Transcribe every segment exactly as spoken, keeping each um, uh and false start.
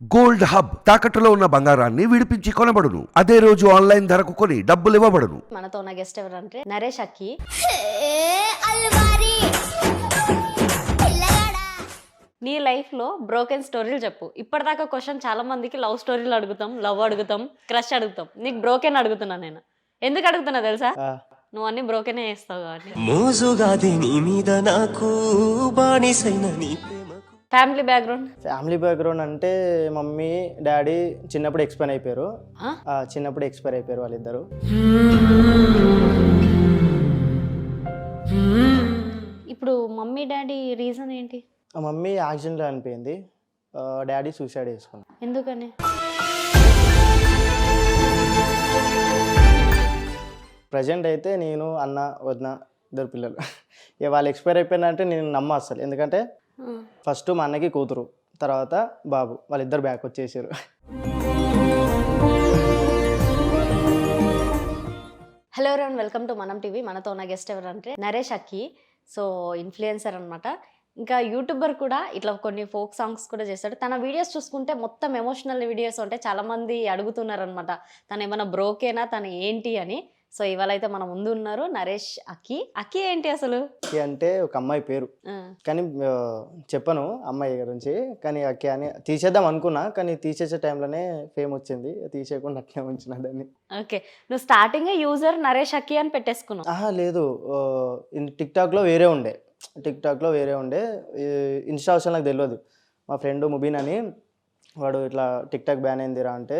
Gold hub తాకట్టులో ఉన్న బంగారాన్ని విడిపించి కొనబడును. అదే రోజు ఆన్లైన్ ధరకు కొని డబ్బులు ఇవ్వబడును. మనతో ఉన్న గెస్ట్ ఎవరంటే నరేష్ అక్కి. నీ లైఫ్ లో బ్రోకెన్ స్టోరీలు చెప్పు. ఇప్పటిదాకా క్వశ్చన్ చాలా మందికి లవ్ స్టోరీలు అడుగుతాం, లవ్ అడుగుతాం, క్రష్ అడుగుతాం. నీకు బ్రోకెన్ అడుగుతున్నా నేను. ఎందుకు అడుగుతున్నా తెలుసా? నువ్వు అన్ని బ్రోకెనే చేస్తావు కాబట్టి. ఫ్యామిలీ బ్యాక్గ్రౌండ్ ఫ్యామిలీ బ్యాక్గ్రౌండ్ అంటే మమ్మీ డాడీ చిన్నప్పుడు ఎక్స్పైర్ అయిపోయారు. చిన్నప్పుడు ఎక్స్పైర్ అయిపోయారు వాళ్ళిద్దరు. ఇప్పుడు మమ్మీ డాడీ రీజన్ ఏంటి? మమ్మీ యాక్సిడెంట్లో చనిపోయింది, డాడీ సూసైడ్ చేసుకున్నాడు. ఎందుకని? ప్రజెంట్ అయితే నేను అన్న వదిన ఇద్దరు పిల్లలు. ఇక వాళ్ళు ఎక్స్పైర్ అయిపోయినంటే నేను నమ్మ అసలు. ఎందుకంటే ఫస్ట్ మా అన్నకి కూతురు, తర్వాత బాబు, వాళ్ళిద్దరు బ్యాక్ వచ్చేసారు. Hello everyone, welcome to Manam TV. మనతో ఉన్న గెస్ట్ ఎవరంటే నరేష్ అక్కి. సో ఇన్ఫ్లుయెన్సర్ అనమాట, ఇంకా యూట్యూబర్ కూడా. ఇట్లా కొన్ని ఫోక్ సాంగ్స్ కూడా చేస్తాడు. తన వీడియోస్ చూసుకుంటే మొత్తం ఎమోషనల్ వీడియోస్ ఉంటాయి. చాలామంది అడుగుతున్నారు అనమాట, తను ఏమైనా బ్రోకేనా, తను ఏంటి అని. సో ఇవాళ అయితే మన ముందు ఉన్నారు నరేష్ అక్కి. అక్కి ఏంటి అసలు? అక్కి అంటే ఒక అమ్మాయి పేరు, కానీ చెప్పను అమ్మాయి గురించి. కానీ అక్కి అని తీసేద్దాం అనుకున్నా, కానీ తీసేసే టైంలోనే ఫేమ్ వచ్చింది, తీసేయకుండా అట్లే ఉంచిన దాన్ని. ఓకే, నువ్వు స్టార్టింగ్ యూజర్ నరేష్ అక్కి అని పెట్టేసుకున్నావు? ఆహా లేదు, టిక్ టాక్లో వేరే ఉండే టిక్ టాక్లో వేరే ఉండే ఇన్స్టా అవసరం నాకు తెలియదు. మా ఫ్రెండ్ ముబీన్ అని, వాడు ఇట్లా టిక్ టాక్ బ్యాన్ అయిందిరా అంటే,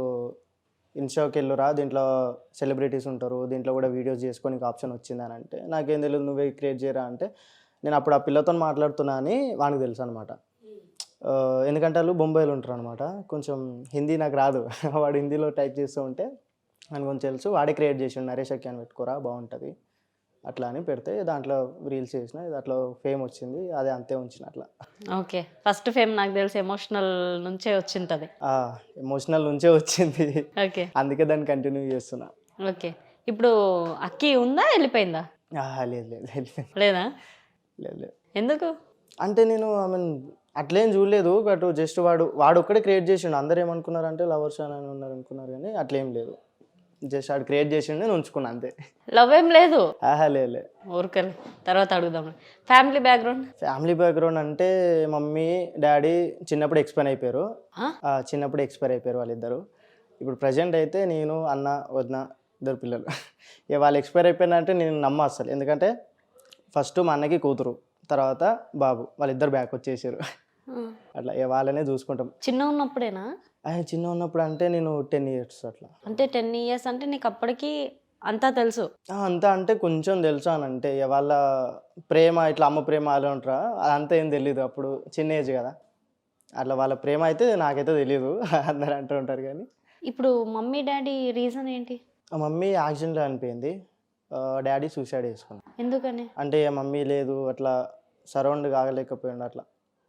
ఇన్స్టాకి వెళ్ళురా, దీంట్లో సెలబ్రిటీస్ ఉంటారు, దీంట్లో కూడా వీడియోస్ చేసుకొని ఆప్షన్ వచ్చిందని అంటే, నాకేం తెలియదు, నువ్వే క్రియేట్ చేయరా అంటే, నేను అప్పుడు ఆ పిల్లతో మాట్లాడుతున్నా అని వానికి తెలుసు అనమాట. ఎందుకంటే వాళ్ళు బొంబాయిలో ఉంటారు అనమాట, కొంచెం హిందీ నాకు రాదు. వాడు హిందీలో టైప్ చేస్తూ ఉంటే నాకు కొంచెం తెలుసు. వాడే క్రియేట్ చేసిండు, నరేష్ అక్కి అని పెట్టుకోరా బాగుంటుంది అట్లా అని పెడితే, దాంట్లో రీల్స్ చేసిన, దాంట్లో ఫేమ్ వచ్చింది, అదే అంతే ఉంచిన అట్లా. ఓకే, ఫస్ట్ ఫేమ్ నాకు తెలిసి ఎమోషనల్ నుంచే వచ్చింది. ఎమోషనల్ నుంచే వచ్చింది. ఓకే, అందుకే దాన్ని కంటిన్యూ చేస్తున్నా. ఓకే, ఇప్పుడు అక్కి ఉందా, వెళ్ళిపోయిందా? లేదు లేదు లేదా? లేదు లేదు. ఎందుకు అంటే నేను ఐ మీన్ అట్లేం చూడలేదు, బట్ జస్ట్ వాడు వాడు ఒక్కడే క్రియేట్ చేసిండు. అందరు ఏమనుకున్నారంటే లవర్స్ అని ఉన్నారు అనుకున్నారు, కానీ అట్లేం లేదు. జస్ట్ వాడు క్రియేట్ చేసిండు, నేను ఉంచుకున్నా అంతే. లవ్ ఏం లేదు? ఆహా లేదు. ఊరికలే, తర్వాత అడుగుదాం. ఫ్యామిలీ బ్యాక్గ్రౌండ్ ఫ్యామిలీ బ్యాక్గ్రౌండ్ అంటే మమ్మీ డాడీ చిన్నప్పుడు ఎక్స్పైర్ అయిపోయారు. చిన్నప్పుడు ఎక్స్పైర్ అయిపోయారు వాళ్ళిద్దరు. ఇప్పుడు ప్రజెంట్ అయితే నేను అన్న వదిన ఇద్దరు పిల్లలు. ఇక వాళ్ళు ఎక్స్పైర్ అయిపోయినంటే నేను నమ్మ అసలు. ఎందుకంటే ఫస్ట్ మా అన్నకి కూతురు, తర్వాత బాబు, వాళ్ళిద్దరు బ్యాక్ వచ్చేసారు. అట్లా ఇక వాళ్ళనే చూసుకుంటాం. చిన్న ఉన్నప్పుడేనా? చిన్న ఉన్నప్పుడు అంటే నేను టెన్ ఇయర్స్ అట్లా. అంటే టెన్ ఇయర్స్ అంటే నీకు అప్పటికి అంతా తెలుసు? అంతా అంటే కొంచెం తెలుసు అని అంటే, వాళ్ళ ప్రేమ ఇట్లా అమ్మ ప్రేమ అలా ఉంటారా, అదంతా ఏం తెలీదు. అప్పుడు చిన్న ఏజ్ కదా, అట్లా వాళ్ళ ప్రేమ అయితే నాకైతే తెలీదు. అందరు అంటూ ఉంటారు. కానీ ఇప్పుడు మమ్మీ డాడీ రీజన్ ఏంటి? మమ్మీ యాక్సిడెంట్లో చనిపోయింది, డాడీ సూసైడ్ చేసుకున్నాడు. ఎందుకని? అంటే మమ్మీ లేదు, అట్లా సరౌండ్ కాగలేకపోయిండు అట్లా.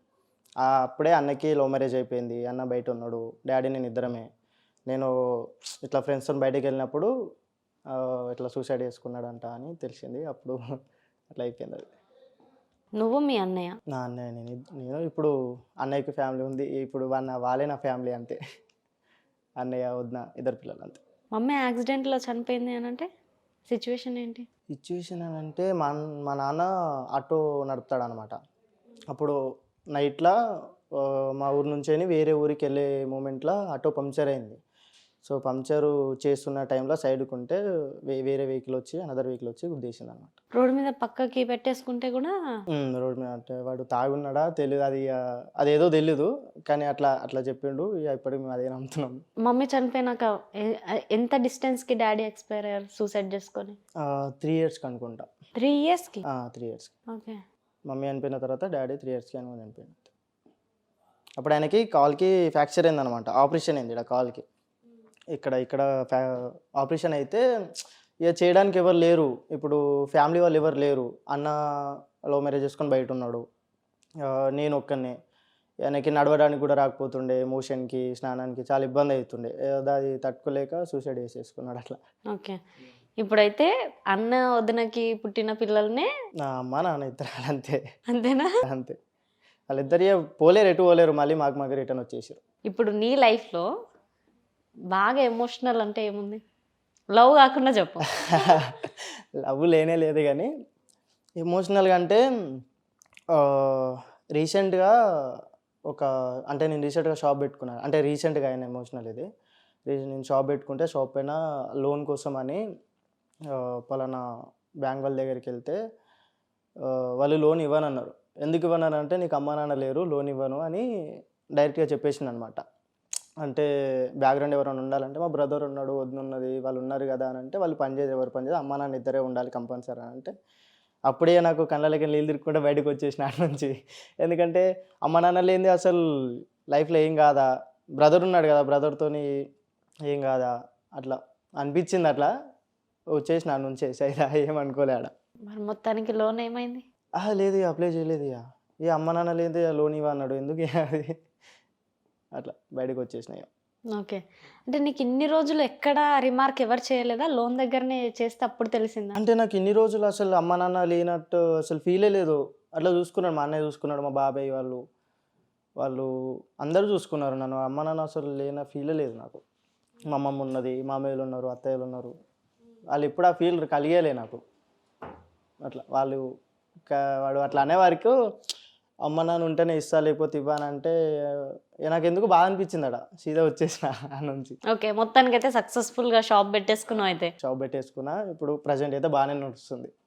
అప్పుడే అన్నకి లవ్ మ్యారేజ్ అయిపోయింది, అన్న బయట ఉన్నాడు, డాడీ నేను ఇద్దరమే. నేను ఇట్లా ఫ్రెండ్స్తో బయటకు వెళ్ళినప్పుడు ఇట్లా సూసైడ్ చేసుకున్నాడంట అని తెలిసింది. అప్పుడు అట్లా అయిపోయింది అది. నువ్వు మీ అన్నయ్య? నా అన్నయ్య నేను నేను ఇప్పుడు అన్నయ్యకి ఫ్యామిలీ ఉంది, ఇప్పుడు వాళ్ళ వాళ్ళే నా ఫ్యామిలీ అంతే. అన్నయ్య వదిన ఇద్దరు పిల్లలు అంతే. మమ్మీ యాక్సిడెంట్లో చనిపోయింది అని అంటే సిచ్యువేషన్ ఏంటి? సిచ్యువేషన్ అని అంటే మా మా నాన్న ఆటో నడుపుతాడు అనమాట. అప్పుడు నైట్లో మా ఊరు నుంచి వేరే ఊరికి వెళ్ళే మూమెంట్లో ఆటో పంక్చర్ అయింది. సో పంక్చరు చేస్తున్న టైంలో సైడ్కి ఉంటే వేరే వెహికల్ వచ్చి అనదర్ వెహికల్ వచ్చి గుద్దేసింది అనమాట. రోడ్డు మీద పక్కకి పెట్టేసుకుంటే కూడా? రోడ్డు మీద అంటే వాడు తాగున్నాడా తెలియదు, అది అదేదో తెలీదు, కానీ అట్లా అట్లా చెప్పిండు. ఇప్పటికి మేము అదే నమ్ముతున్నాం. మమ్మీ చనిపోయినాక ఎంత డిస్టెన్స్కి డాడీ ఎక్స్పైర్ అయ్యారు సూసైడ్ చేసుకొని? త్రీ ఇయర్స్కి అనుకుంటా. త్రీ ఇయర్స్కి? త్రీ ఇయర్స్కి. ఓకే. మమ్మీ చనిపోయిన తర్వాత డాడీ త్రీ ఇయర్స్కి అని చనిపోయింది. అప్పుడు ఆయనకి కాల్కి ఫ్రాక్చర్ అయిందనమాట, ఆపరేషన్ అయింది ఇక్కడ కాల్కి. ఇక్కడ ఇక్కడ ఫ్యా ఆపరేషన్ అయితే ఇక చేయడానికి ఎవరు లేరు. ఇప్పుడు ఫ్యామిలీ వాళ్ళు ఎవరు లేరు. అన్న లవ్ మ్యారేజ్ చేసుకొని బయట ఉన్నాడు, నేను ఒక్కనే. ఆయనకి నడవడానికి కూడా రాకపోతుండే, మోషన్కి స్నానానికి చాలా ఇబ్బంది అవుతుండే. అది తట్టుకోలేక సూసైడ్ చేసేసుకున్నాడు అట్లా. ఓకే, ఇప్పుడైతే అన్న వదినకి పుట్టిన పిల్లల్నే నా అమ్మ నాన్న ఇద్దరు అంతే. అంతేనా? అంతే. వాళ్ళిద్దరు పోలేరు, ఎటు పోలేరు, మళ్ళీ మాకు మాకు రిటర్న్ వచ్చేసారు. ఇప్పుడు నీ లైఫ్లో బాగా ఎమోషనల్ అంటే ఏముంది? లవ్ కాకుండా చెప్పు. లవ్ లేనే లేదు కానీ ఎమోషనల్గా అంటే రీసెంట్గా ఒక అంటే నేను రీసెంట్గా షాప్ పెట్టుకున్నాను. అంటే రీసెంట్గా అయిన ఎమోషనల్ ఇది. రీ- నేను షాప్ పెట్టుకుంటే షాప్ పైన లోన్ కోసం అని ఆ, పలానా బ్యాంక్ వాళ్ళ దగ్గరికి వెళ్తే ఆ, వాళ్ళు లోన్ ఇవ్వనన్నారు. ఎందుకు ఇవ్వనన్నారు అంటే నీకు అమ్మ నాన్న లేరు లోన్ ఇవ్వను అని డైరెక్ట్గా చెప్పేసింది అనమాట. అంటే బ్యాక్గ్రౌండ్ ఎవరైనా ఉండాలంటే మా బ్రదర్ ఉన్నాడు వదిన ఉన్నది వాళ్ళు ఉన్నారు కదా అని అంటే వాళ్ళు పని చేయదు ఎవరు పని చేయదు అమ్మ నాన్న ఇద్దరే ఉండాలి కంపల్సరీ అని అంటే అప్పుడే నాకు కళ్ళకి నీళ్ళు తిరుగుకుంటే బయటకు వచ్చేసిన ఆడ నుంచి. ఎందుకంటే అమ్మ నాన్న లేనిది అసలు లైఫ్లో ఏం కాదా, బ్రదర్ ఉన్నాడు కదా బ్రదర్తోని ఏం కాదా అట్లా అనిపించింది. అట్లా వచ్చేసిన ఆడ నుంచి సైదా ఏమనుకోలే ఆడ. మరి మొత్తానికి లోన్ ఏమైంది? ఆహా లేదు ఇక అప్లై చేయలేదు ఇక ఇక అమ్మ నాన్న లేదు లోన్ ఇవ్వ అన్నాడు ఎందుకు ఇక అది అట్లా బయటకు వచ్చేసినాయి. ఓకే. అంటే నీకు ఇన్ని రోజులు ఎక్కడ రిమార్క్ ఎవరు చేయలేదా? లోన్ దగ్గరనే చేస్తే అప్పుడు తెలిసిందా? అంటే నాకు ఇన్ని రోజులు అసలు అమ్మ నాన్న లేనట్టు అసలు ఫీలే లేదు. అట్లా చూసుకున్నాడు మా అన్నయ్య చూసుకున్నాడు మా బాబాయ్ వాళ్ళు వాళ్ళు అందరూ చూసుకున్నారు నన్ను. అమ్మ నాన్న అసలు లేన ఫీలే లేదు నాకు. మా అమ్మమ్మ ఉన్నది మామయ్యలు ఉన్నారు అత్తయ్యలు ఉన్నారు వాళ్ళు ఎప్పుడు ఆ ఫీల్ కలిగేలే నాకు. అట్లా వాళ్ళు క- వాడు అట్లా అనేవారికి అమ్మ నాన్న ఉంటేనే ఇస్తా లేకపోతే ఇవ్వనంటే ఇక నాకు ఎందుకు బాగా అనిపించింది అడ సీదా వచ్చేసిన ఆ నుంచి. ఓకే. మొత్తానికి అయితే సక్సెస్ఫుల్గా షాప్ పెట్టేసుకున్నావు అయితే. షాప్ పెట్టేసుకున్నా ఇప్పుడు ప్రజెంట్ అయితే బాగానే నడుస్తుంది.